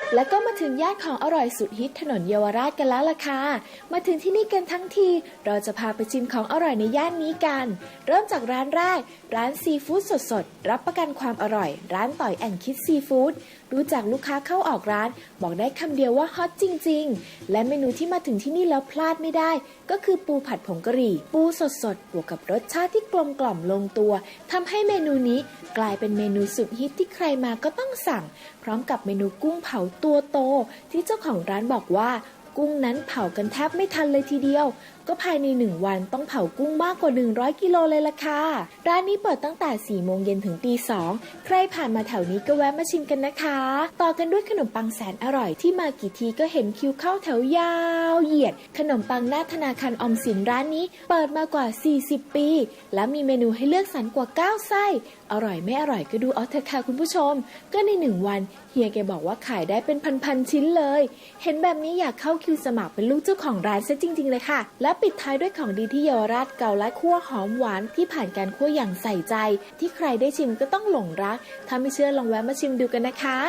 แล้วก็มาถึงย่านของอร่อยสุดฮิตถนนเยาวราชกันแล้วล่ะค่ะมาถึงที่นี่กันทั้งทีเราจะพาไปชิมของอร่อยในย่านนี้กันเริ่มจากร้านแรกร้านซีฟู้ดสดๆรับประกันความอร่อยร้านต่อยแอนคิดซีฟู้ดดูจากลูกค้าเข้าออกร้านบอกได้คำเดียวว่าฮอตจริงๆและเมนูที่มาถึงที่นี่แล้วพลาดไม่ได้ก็คือปูผัดผงกะหรี่ปูสดๆบวกกับรสชาติที่กลมกล่อมลงตัวทำให้เมนูนี้กลายเป็นเมนูสุดฮิตที่ใครมาก็ต้องสั่งพร้อมกับเมนูกุ้งเผาตัวโตที่เจ้าของร้านบอกว่ากุ้งนั้นเผากันแทบไม่ทันเลยทีเดียวก็ภายใน1วันต้องเผากุ้งมากกว่า100กิโลเลยล่ะค่ะร้านนี้เปิดตั้งแต่4 โมงเย็นถึงตี 2ใครผ่านมาแถวนี้ก็แวะมาชิมกันนะคะต่อกันด้วยขนมปังแสนอร่อยที่มากี่ทีก็เห็นคิวเข้าแถวยาวเหยียดขนมปังหน้าธนาคารออมสินร้านนี้เปิดมากว่า40ปีและมีเมนูให้เลือกสรรกว่า9ไส้อร่อยไม่อร่อยก็ดูเอาเถอะค่ะคุณผู้ชมก็ใน1วันเฮียแกบอกว่าขายได้เป็นพันๆชิ้นเลยเห็นแบบนี้อยากเข้าคิวสมัครเป็นลูกเจ้าของร้านซะจริงๆเลยค่ะและปิดท้ายด้วยของดีที่เยาวราชเกาลัดคั่วหอมหวานที่ผ่านการคั่วอย่างใส่ใจที่ใครได้ชิมก็ต้องหลงรักถ้าไม่เชื่อลองแวะมาชิมดูกันนะคะ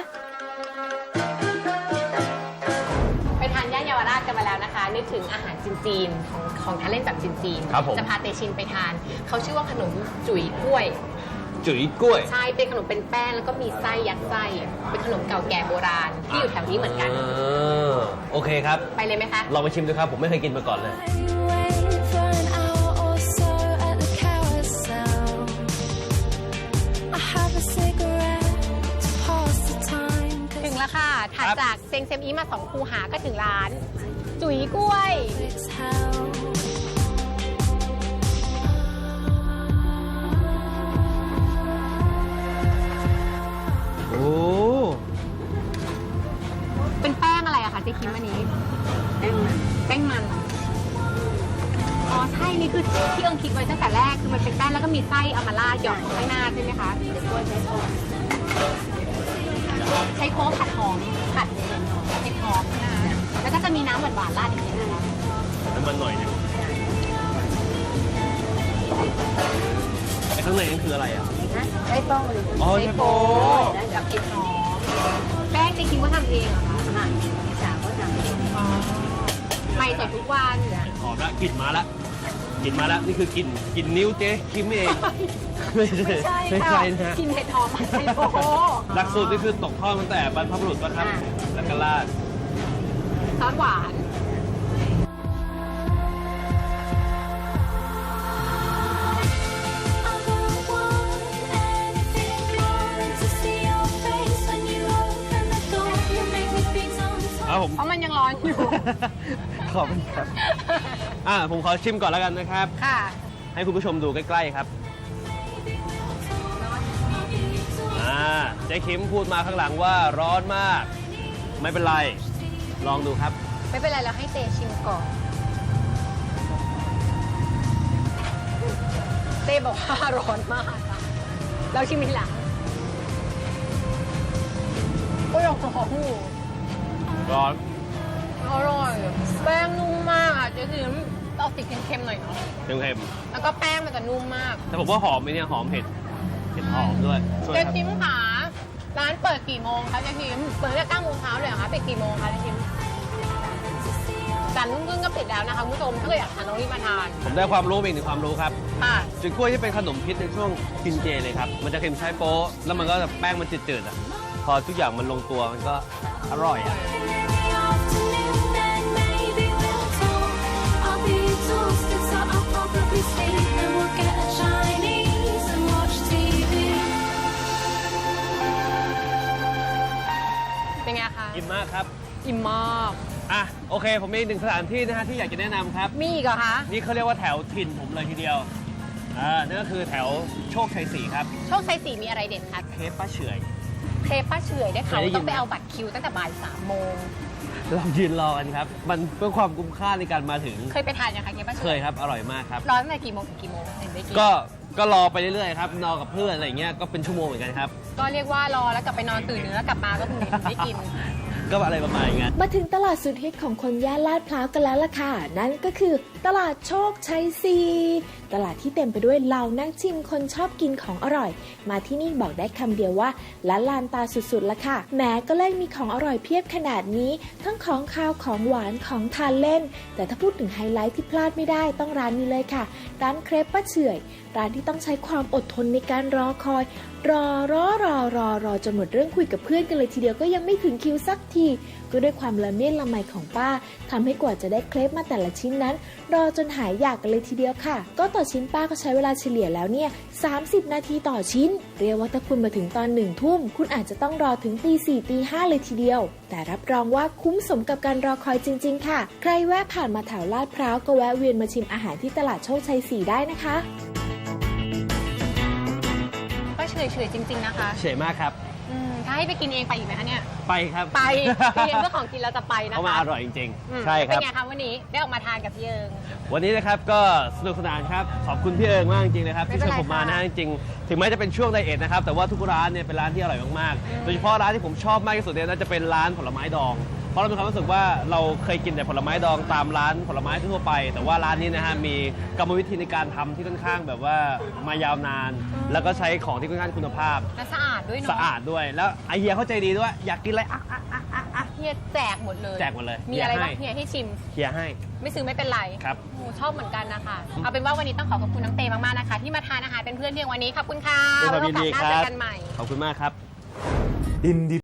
ไปทานย่านเยาวราชกันมาแล้วนะคะนึกถึงอาหารจีนๆของทานเล่นแบบจีนๆจะพาเตชินไปทานเขาชื่อว่าขนมจุ๋ยกล้วยจุ๋ยกล้วยใช่เป็นขนมเป็นแป้งแล้วก็มีไส้ยัดไส้เป็นขนมเก่าแก่โบราณที่อยู่แถวนี้เหมือนกันโอเคครับไปเลยไหมคะลองไปชิมดูครับผมไม่เคยกินมาก่อนเลยถึงแล้วค่ะถัดจากเซงเซมอีมา2 คูหาก็ถึงร้านจุ๋ยกล้วยโอ้เป็นแป้งอะไรอะคะเจ๊คิมอันนี้แป้งมันอ๋อใช่นี่คือที่เอิงคิดไว้ตั้งแต่แรกคือมันเป็นแป้งแล้วก็มีไส้เอามาราดหยอดข้างหน้าใช่ไหมคะใช้โค้กผัดหอมผัดเห็ดหอมนะคะแล้วก็จะมีน้ำหวานๆราดอีกนิดนึงนะคะน้ำมันหน่อยนึงไอ้ข้างในนั่นคืออะไรอ่ะใช้โป้เลยอ๋อใช้โป้กับเห็ดหอมแป้งจริงๆว่าทำเองเหรอคะค่ะพี่สาวก็ทำเองใหม่สดทุกวันหอมละกลิ่นมาละนี่คือกลิ่นนิ้วเจ๊คิมเองไม่ใช่นะกินเห็ดหอมใช้โป้หลักสูตรนี่คือตกทอดตั้งแต่บรรพบุรุษป่ะครับแล้วก็ราดซอสหวานเพราะมันยังร้อนอยู่ขอบคุณครับผมขอชิมก่อนแล้วกันนะครับค่ะให้คุณผู้ชมดูใกล้ๆครับเจ๊คิมพูดมาข้างหลังว่าร้อนมากไม่เป็นไรลองดูครับไม่เป็นไรเราให้เตชิมก่อนเต้บอกว่าร้อนมากเราชิมทีหลังก็ยังร้อนอยู่ร้อนอร่อยแป้งนุ่มมากเจ๊คิมเอาติดเค็มๆหน่อยเนาะเค็มๆแล้วก็แป้งมันจะนุ่มมากแต่ผมว่าหอมไหมเนี่ยหอมเห็ดหอมด้วยเจ๊คิมค่ะร้านเปิดกี่โมงคะเจ๊คิมเปิดตั้งแต่9 โมงเช้าเลยเหรอคะปิดกี่โมงคะเจ๊คิม3 ทุ่มครึ่งก็ปิดแล้วนะคะคุณผู้ชมถ้าเกิดอยากทานต้องรีบมาทานผมได้ความรู้อีกหนึ่งความรู้ครับจุ๋ยกล้วยที่เป็นขนมพิษในช่วงกินเจเลยครับมันจะเค็มใช้โป๊ะแล้วมันก็แป้งมันจืดๆพอทุกอย่างมันลงตัวมันก็อร่อยเป็นไงคะอิ่มมากครับอิ่มมากโอเคผมมี1 สถานที่นะฮะที่อยากจะแนะนำครับมีอีกเหรอคะนี่เขาเรียกว่าแถวถิ่นผมเลยทีเดียวนั่นก็คือแถวโชคชัย4ครับโชคชัย4มีอะไรเด็ดคะเครปป้าเฉยได้ข่าวต้องไปเอาบัตรคิวตั้งแต่บ่าย 3 โมงเรายืนรอกันครับมันเพื่อความคุ้มค่าในการมาถึงเคยไปทานยังคะเครปป้าเฉยเคยครับอร่อยมากครับรอตั้งแต่กี่โมงถึงกี่โมงเห็นได้กินก็รอไปเรื่อยๆครับนอนกับเพื่อนอะไรเงี้ยก็เป็นชั่วโมงเหมือนกันครับก็เรียกว่ารอแล้วกลับไปนอนตื่นแล้วกลับมาก็ถึงได้กินก็อะไรประมาณอย่างเงี้ยมาถึงตลาดสุดฮิตของคนย่านลาดพร้าวกันแล้วล่ะค่ะนั่นก็คือตลาดโชคชัย4 ตลาดที่เต็มไปด้วยเหล่านักชิมคนชอบกินของอร่อย มาที่นี่บอกได้คำเดียวว่าละลานตาสุดๆละค่ะแม้ก็เลยมีของอร่อยเพียบขนาดนี้ทั้งของคาวของหวานของทานเล่นแต่ถ้าพูดถึงไฮไลท์ที่พลาดไม่ได้ต้องร้านนี้เลยค่ะร้านเครปป้าเฉื่อยร้านที่ต้องใช้ความอดทนในการรอคอยรอจนหมดเรื่องคุยกับเพื่อนกันเลยทีเดียวก็ยังไม่ถึงคิวสักทีก็ด้วยความละเมียดละไมของป้าทำให้กว่าจะได้เครปมาแต่ละชิ้นนั้นรอจนหายอยากกันเลยทีเดียวค่ะก็ต่อชิ้นป้าก็ใช้เวลาเฉลี่ยแล้วเนี่ย30 นาทีต่อชิ้นเรียกว่าถ้าคุณมาถึงตอน1 ทุ่มคุณอาจจะต้องรอถึงตี4ตี5เลยทีเดียวแต่รับรองว่าคุ้มสมกับการรอคอยจริงๆค่ะใครแวะผ่านมาแถวลาดพร้าวก็แวะเวียนมาชิมอาหารที่ตลาดโชคชัย 4ได้นะคะก็เฉยๆจริงๆนะคะเฉยมากครับถ้าให้ไปกินเองไปอีกไหมคะเนี่ยไปครับไปเรียนเพื่อของกินเราจะไปนะคะเพราะมันอร่อยจริงๆใช่ครับเป็นไงคะวันนี้ได้ออกมาทานกับพี่เอิงวันนี้นะครับก็สนุกสนานครับขอบคุณพี่เอิงมากจริงๆนะครับที่เชิญผมมานะจริงๆถึงแม้จะเป็นช่วงไดเอทนะครับแต่ว่าทุกร้านเนี่ยเป็นร้านที่อร่อยมากๆโดยเฉพาะร้านที่ผมชอบมากที่สุดเนี่ยน่าจะเป็นร้านผลไม้ดองเพราะเรามีความรู้สึกว่าเราเคยกินแต่ผลไม้ดองตามร้านผลไม้ทั่วไปแต่ว่าร้านนี้นะฮะมีกรรมวิธีในการทำที่ค่อนข้างแบบว่ามายาวนานแล้วก็ใช้ของที่ค่อนข้างคุณภาพและสะอาดด้วยเนาะสะอาดด้วยแล้วไอเฮียเข้าใจดีด้วยอยากกินอะไรเฮียแจกหมดเลยแจกหมดเลยมีอะไรบ้างเฮียให้ชิมเฮียให้ไม่ซื้อไม่เป็นไรครับชอบเหมือนกันนะคะเอาเป็นว่าวันนี้ต้องขอบคุณน้องเตมากๆนะคะที่มาทานอาหารเป็นเพื่อนเพียงวันนี้ขอบคุณค่ะไว้โอกาสหน้าเจอกันใหม่ขอบคุณมากครับ